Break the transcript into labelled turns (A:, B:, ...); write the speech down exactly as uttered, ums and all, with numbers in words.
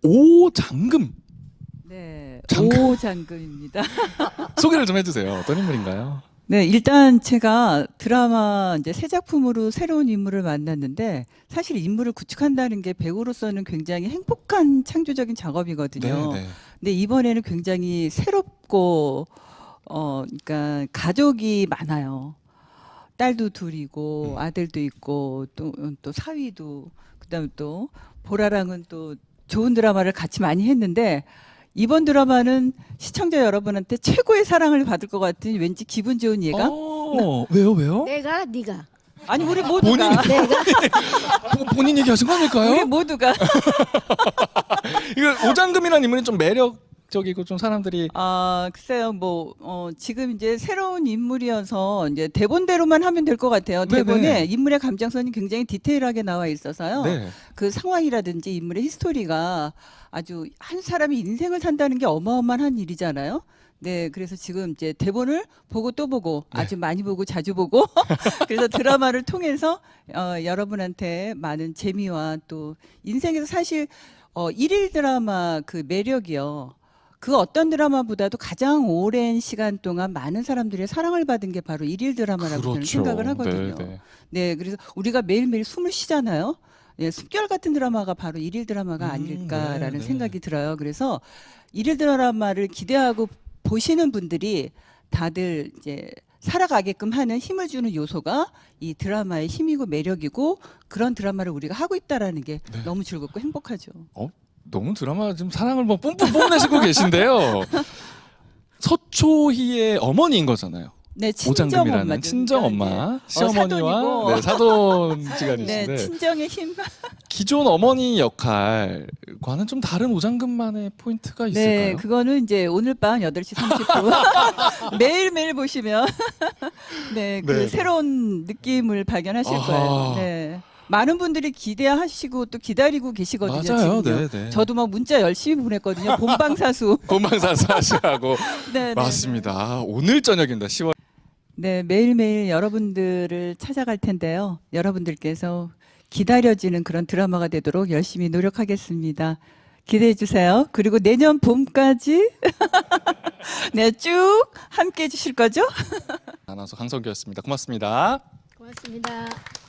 A: 오장금.
B: 네,
A: 장금.
B: 오장금입니다.
A: 소개를 좀 해주세요. 어떤 인물인가요?
B: 네, 일단 제가 드라마 이제 새 작품으로 새로운 인물을 만났는데 사실 인물을 구축한다는 게 배우로서는 굉장히 행복한 창조적인 작업이거든요.
A: 네, 네.
B: 근데 이번에는 굉장히 새롭고 어, 그러니까 가족이 많아요. 딸도 둘이고
A: 음.
B: 아들도 있고 또 또 사위도 그다음에 또 보라랑은 또 좋은 드라마를 같이 많이 했는데 이번 드라마는 시청자 여러분한테 최고의 사랑을 받을 것 같은 왠지 기분 좋은 예감?
A: 어, 왜요, 왜요?
C: 내가 네가
B: 아니 우리 모두가
C: 내가
A: 보- 본인 얘기하신 거
B: 우리
A: 아닐까요?
B: 모두가
A: 이거 오장금이라는 인물이 좀 매력적이고 좀 사람들이
B: 아 글쎄요 뭐 어, 지금 이제 새로운 인물이어서 이제 대본대로만 하면 될 것 같아요.
A: 네네.
B: 대본에 인물의 감정선이 굉장히 디테일하게 나와 있어서요.
A: 네.
B: 그 상황이라든지 인물의 히스토리가 아주 한 사람이 인생을 산다는 게 어마어마한 일이잖아요. 네, 그래서 지금 이제 대본을 보고 또 보고
A: 네.
B: 아주 많이 보고 자주 보고 그래서 드라마를 통해서 어, 여러분한테 많은 재미와 또 인생에서 사실 어, 일일 드라마 그 매력이요. 그 어떤 드라마보다도 가장 오랜 시간 동안 많은 사람들의 사랑을 받은 게 바로 일일 드라마라고 저는
A: 그렇죠.
B: 생각을 하거든요.
A: 네, 네.
B: 네, 그래서 우리가 매일매일 숨을 쉬잖아요. 예, 습결 같은 드라마가 바로 일일 드라마가
A: 음,
B: 아닐까라는
A: 네, 네.
B: 생각이 들어요. 그래서 일일 드라마를 기대하고 보시는 분들이 다들 이제 살아가게끔 하는 힘을 주는 요소가 이 드라마의 힘이고 매력이고 그런 드라마를 우리가 하고 있다라는 게
A: 네.
B: 너무 즐겁고 행복하죠.
A: 어, 너무 드라마 지금 사랑을 뭐 뿜뿜 뽐내시고 계신데요. 서초희의 어머니인 거잖아요.
B: 네, 친정
A: 오장금이라는
B: 엄마,
A: 친정 엄마, 시어머니와
B: 사돈이고.
A: 네, 사돈
B: 네,
A: 지간이신데
B: 친정의 힘.
A: 기존 어머니 역할과는 좀 다른 오장금만의 포인트가 있을까요?
B: 네, 그거는 이제 오늘 밤 여덟 시 삼십 분 매일매일 보시면 네, 그
A: 네.
B: 새로운 느낌을 발견하실
A: 아하.
B: 거예요. 네. 많은 분들이 기대하시고 또 기다리고 계시거든요.
A: 맞아요.
B: 지금요.
A: 네, 네.
B: 저도 막 문자 열심히 보냈거든요. 본방사수.
A: 본방사수 하시라고.
B: 네, 네,
A: 맞습니다. 오늘 저녁입니다. 시월.
B: 네, 매일매일 여러분들을 찾아갈 텐데요. 여러분들께서 기다려지는 그런 드라마가 되도록 열심히 노력하겠습니다. 기대해 주세요. 그리고 내년 봄까지 네, 쭉 함께 해 주실 거죠?
A: 아나운서 강성규였습니다. 고맙습니다.
C: 고맙습니다.